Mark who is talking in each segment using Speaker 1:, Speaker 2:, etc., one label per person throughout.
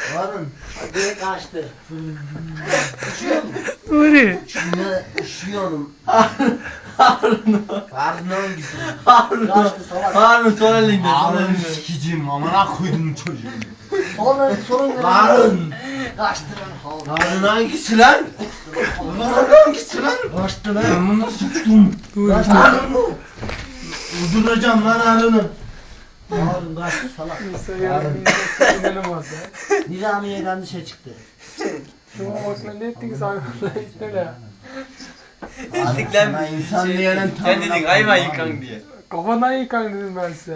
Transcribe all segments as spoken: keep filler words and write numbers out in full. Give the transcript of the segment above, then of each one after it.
Speaker 1: Harun. Hadi kaçtı. Üşüyor mu?
Speaker 2: Nuri.
Speaker 1: Ne üşüyorum.
Speaker 3: Harun. Harun.
Speaker 1: Harun hangisi?
Speaker 3: Harun.
Speaker 1: Kaçtı salak.
Speaker 3: Harun sonra elinde.
Speaker 1: Harun sikicim amına koydum çocuğu. Sonra sorun ne?
Speaker 3: Harun.
Speaker 1: Kaçtı lan.
Speaker 3: Harun hangisi lan? Harun hangisi lan?
Speaker 1: Kaçtı lan.
Speaker 3: Ben bunu sıçtım.
Speaker 1: Kaçtı Harun.
Speaker 3: Öldüreceğim lan Harun'u.
Speaker 1: Harun kaçtı salak.
Speaker 2: Harun. İnanılmaz ya.
Speaker 1: Nizamiye'den dışarı çıktı.
Speaker 2: Şu Osman ne ettik sana? İşte ya.
Speaker 3: Ettik lan bir insan diyenin
Speaker 4: Sen dedin hayvan yıkan diye.
Speaker 2: Kafadan yıkan dedim ben size.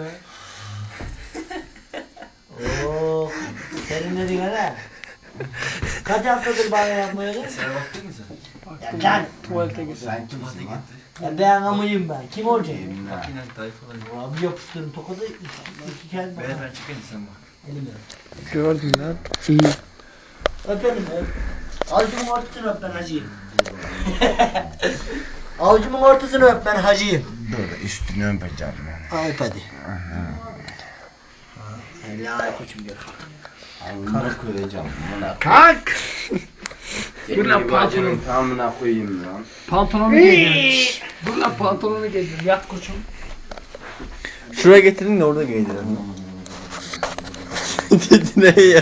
Speaker 1: Oh. Serinledin hele. Kaç haftadır banyo yapmıyordun?
Speaker 4: Sen baktın mı sen?
Speaker 1: Ya lan.
Speaker 2: Tuvalete git.
Speaker 3: Sen kimsin lan?
Speaker 1: Ya ben amıyım ben. Kim olacağım?
Speaker 4: Makinen tayfalar.
Speaker 1: Abi yapıştırın tokadı iki, iki kere
Speaker 4: Ver
Speaker 1: bakar.
Speaker 4: ben çıkayım sen bak.
Speaker 1: Elimi.
Speaker 2: Gördün lan. İyi.
Speaker 1: Öpelim öp. Avucumun ortasını öp ben hacıyım. Avucumun ortasını öp ben hacıyım.
Speaker 3: Dur üstünü öpeceğim ben.
Speaker 1: Öp hadi. Helal koçum gör.
Speaker 3: Alnına koyacağım.
Speaker 2: Kalk.
Speaker 3: Dur lan pantolonu. Tamına koyayım lan.
Speaker 2: Pantolonu giydim. Dur lan pantolonu giydim. Yat koçum.
Speaker 4: Şuraya getirin de orada giydirelim. Dedi ne ya?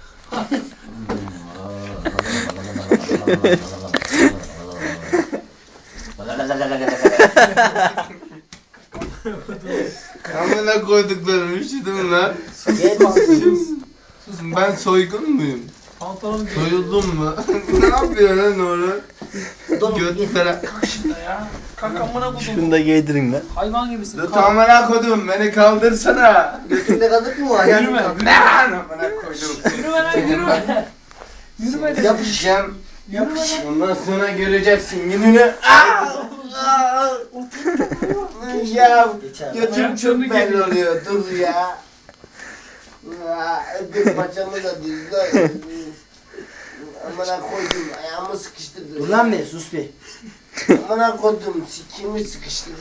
Speaker 3: Amına koyduklarım üşüdüm lan.
Speaker 1: Gel bakayım.
Speaker 3: Susun ben soygun muyum?
Speaker 2: Pantolonu giydim.
Speaker 3: Soyuldum mu? Ne yapıyor lan orada?
Speaker 1: Donum
Speaker 3: Göt
Speaker 1: gel.
Speaker 3: falan.
Speaker 2: Ya. Kalk amına koydum.
Speaker 4: Şunu da giydirin lan.
Speaker 2: Hayvan gibisin.
Speaker 3: Dur
Speaker 2: Kalk.
Speaker 3: amına koydum beni kaldırsana.
Speaker 1: Götünde kazık mı var? Ayağını
Speaker 2: Yürüme.
Speaker 1: kaldır.
Speaker 3: Ne lan amına koydum.
Speaker 2: Yürüme lan yürüme. Yürüme de.
Speaker 3: Yapışacağım.
Speaker 2: Yürüme lan.
Speaker 3: Ondan sonra göreceksin gününü. Ya
Speaker 1: Geçer.
Speaker 3: götüm çok belli oluyor. Dur ya. Ödüm paçamı da düzdü. Amına koydum ayağımı sıkıştırdı.
Speaker 1: Dur lan be sus be.
Speaker 3: Amına koydum sikimi sıkıştırdı.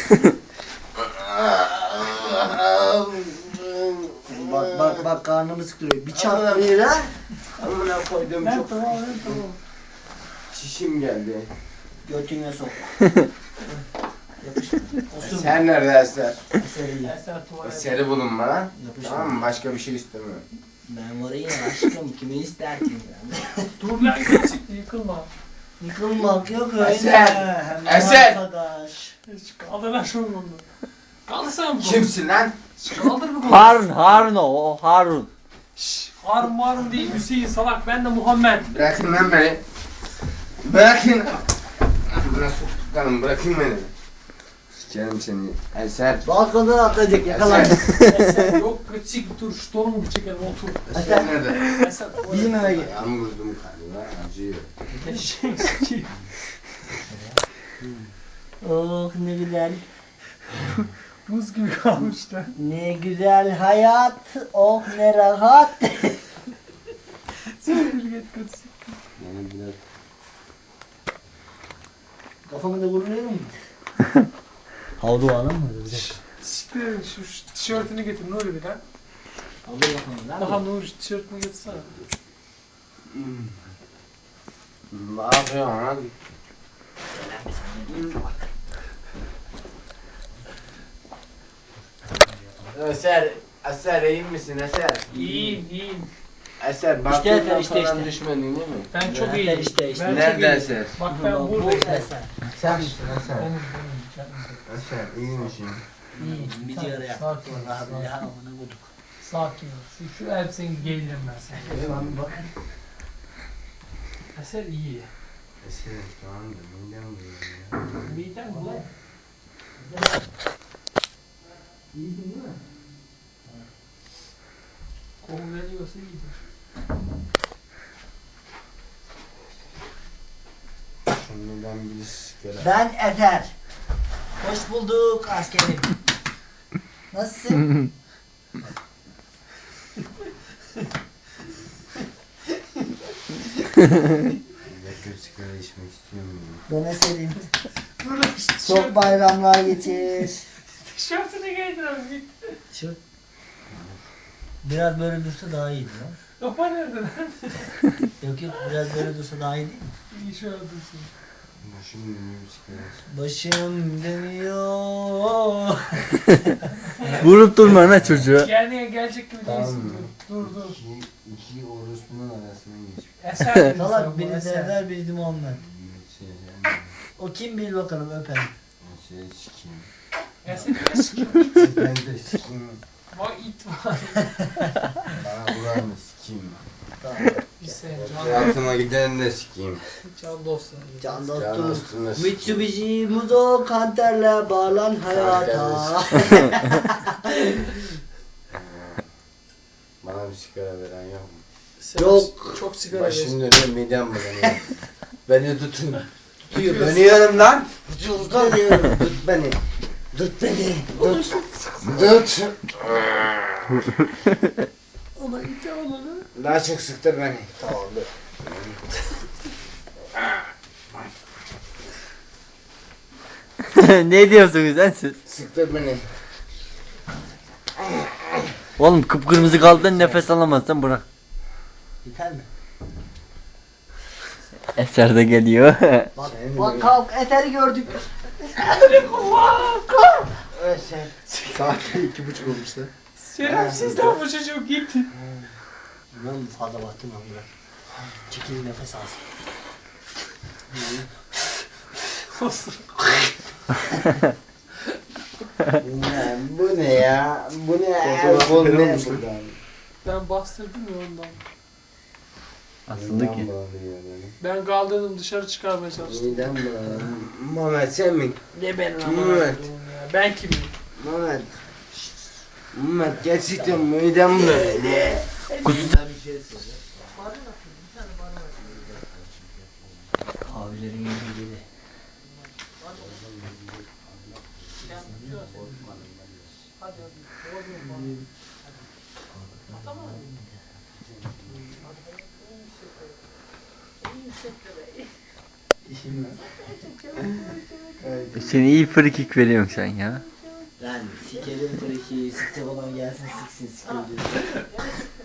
Speaker 1: Bak bak bak karnımı sıkıyor. Bir çatlıyor ha.
Speaker 3: Amına koydum
Speaker 2: Lan
Speaker 3: çok.
Speaker 2: tamam lan tamam.
Speaker 3: Çişim geldi.
Speaker 1: Götüne sok. Yapıştır. Otur.
Speaker 3: Sen nerede Eser?
Speaker 1: Eseri.
Speaker 2: Eser tuvalet.
Speaker 3: Eser'i bulun bana.
Speaker 1: Yapıştır.
Speaker 3: Tamam mı? Başka bir şey istemiyorum.
Speaker 1: Ben var ya aşkım kimi ister ki ben.
Speaker 2: Dur lan geçik yıkılma.
Speaker 1: Yıkılmak yok öyle.
Speaker 3: Eser!
Speaker 1: Hem
Speaker 3: Eser!
Speaker 1: arkadaş.
Speaker 2: Hiç kaldır lan şunu bunu. Kaldır sen bunu.
Speaker 3: Kimsin lan?
Speaker 2: Kaldır bu bunu.
Speaker 4: Harun, Harun o, o Harun.
Speaker 2: Şşş. Harun marun değil Hüseyin salak ben de Muhammed.
Speaker 3: Bırakın lan beni. Bırakın. Bırak soktuklarım bırakın beni. Sikerim seni. Eser.
Speaker 1: Balkondan atlayacak yakalar.
Speaker 2: Eser yok geçik dur şu torumu bir çekelim otur.
Speaker 3: Eser nerede?
Speaker 2: Eser
Speaker 1: Bizim eve gel.
Speaker 3: Ayağımı vurdum galiba. Acıyor.
Speaker 2: Eşek.
Speaker 1: Oh ne güzel.
Speaker 2: Buz gibi kalmıştı.
Speaker 1: Ne güzel hayat. Oh ne rahat.
Speaker 2: Siktir git git.
Speaker 3: Yani biraz
Speaker 1: Kafamı da vuruyor mu? Havlu alın mı?
Speaker 2: Siktir şu, şu tişörtünü getir Nuri bir lan.
Speaker 1: Havlu bakalım lan.
Speaker 2: Daha Nuri şu tişörtünü getirsene.
Speaker 3: ne yapıyorsun lan? Eser, Eser iyi misin Eser?
Speaker 2: İyiyim iyiyim.
Speaker 3: Eser
Speaker 1: İşte
Speaker 3: baktığından
Speaker 1: Eser, işte,
Speaker 3: falan
Speaker 1: işte.
Speaker 3: düşmedin değil mi?
Speaker 2: Ben çok
Speaker 1: Nerede
Speaker 2: iyiyim.
Speaker 1: işte, işte.
Speaker 2: Ben çok
Speaker 3: Nerede
Speaker 2: iyiyim.
Speaker 3: Eser?
Speaker 2: Bak ben
Speaker 1: Bu
Speaker 2: buradayım.
Speaker 1: eser.
Speaker 3: Sen misin Eser?
Speaker 2: Benim benim. Canım.
Speaker 3: Eser iyi misin?
Speaker 1: İyi. Bir sigara yak.
Speaker 2: Sakin ol,
Speaker 1: Vallahi
Speaker 2: sakin.
Speaker 1: billahi amına koyduk.
Speaker 2: Sakin ol. Şu, şu elbiseni giydirim ben sana.
Speaker 1: Eyvallah bak.
Speaker 2: Eser iyi.
Speaker 3: Eser tamam da midem bulanıyor ya.
Speaker 2: Miden bu.
Speaker 1: İyisin değil mi?
Speaker 2: Koku veriyorsa iyidir.
Speaker 3: Şimdiden bir sigara.
Speaker 1: Ben Efer. Hoş bulduk askerim. Nasılsın?
Speaker 3: Yakın sigara içmek istiyorum.
Speaker 1: Bana söyleyeyim.
Speaker 2: Dur lan şu
Speaker 1: Çok
Speaker 2: tişört.
Speaker 1: bayramlar geçir.
Speaker 2: Tişörtünü giydirelim git.
Speaker 1: Şu Biraz böyle dursa daha iyiydi lan.
Speaker 2: Kafa nerede lan?
Speaker 1: Yok yok biraz böyle dursa daha iyi değil mi?
Speaker 2: İyi şu an dursun.
Speaker 3: Başım dönüyor bisiklet.
Speaker 1: Başım dönüyor.
Speaker 4: Vurup durma lan çocuğa.
Speaker 2: Yani gelecek gibi
Speaker 3: Tamam
Speaker 2: değilsin.
Speaker 3: mı?
Speaker 2: Dur dur. dur.
Speaker 3: İki, iki orospunun arasından geçmiş.
Speaker 2: Eser dedin sen
Speaker 1: Salak
Speaker 2: bu,
Speaker 1: biri
Speaker 2: eser.
Speaker 1: Serdar biri Muhammed.
Speaker 3: Şey,
Speaker 1: O kim bil bakalım öpelim.
Speaker 3: şey sikeyim.
Speaker 2: Eser ne sikiyor?
Speaker 3: Ben de sikeyim.
Speaker 2: Vay it var.
Speaker 3: Bana vuran da sikeyim.
Speaker 1: Tamam.
Speaker 2: Bir sen
Speaker 3: Hayatıma giden de sikeyim.
Speaker 2: can dostum.
Speaker 1: Can
Speaker 3: Can
Speaker 1: dostum.
Speaker 3: dostum da sikeyim.
Speaker 1: Mitsubishi Muzo kanterle bağlan hayata.
Speaker 3: Bana bir sigara veren yok mu?
Speaker 2: Sen
Speaker 1: Yok.
Speaker 2: Çok sigara
Speaker 3: Başım
Speaker 2: ver.
Speaker 3: dönüyor, midem bulanıyor. Beni tutun. Tutuyor. Dönüyorum lan. Tut dönüyorum. Tut beni. Tut beni. Tut. Tut.
Speaker 2: Ona ite olanı.
Speaker 3: Daha çok sıktır beni. Tamam dur.
Speaker 4: Ne diyorsunuz lan siz?
Speaker 3: Sıktır beni.
Speaker 4: Oğlum kıpkırmızı kaldın nefes alamazsan bırak.
Speaker 1: Yeter mi?
Speaker 4: Eser de geliyor.
Speaker 1: Bak,
Speaker 3: Senin
Speaker 1: bak
Speaker 3: de-
Speaker 1: kalk eteri gördük.
Speaker 3: Evet sen. Saat iki buçuk olmuş lan.
Speaker 2: Şerefsiz lan bu çocuk git.
Speaker 1: Ben fazla baktım lan bırak. Çekil nefes alsın.
Speaker 3: Bu ne? Bu ne ya? Bu ne ya? Bu ne?
Speaker 2: Ben bastırdım ya ondan.
Speaker 4: Asıldı ki.
Speaker 3: Midem bulanıyor benim.
Speaker 2: Ben kaldırdım dışarı çıkarmaya çalıştım.
Speaker 3: Midem bulanıyor. Mehmet sen mi?
Speaker 2: Ne benim
Speaker 3: Evet.
Speaker 2: aman ya. Ben kimim?
Speaker 3: Mehmet. Mehmet gerçekten midem bulanıyor.
Speaker 1: Kahvelerin ilgili.
Speaker 2: Hadi hadi. Tamam.
Speaker 4: Sen iyi frikik veriyorsun sen ya.
Speaker 1: Lan sikerim friki, sikecek olan gelsin siksin sikerim.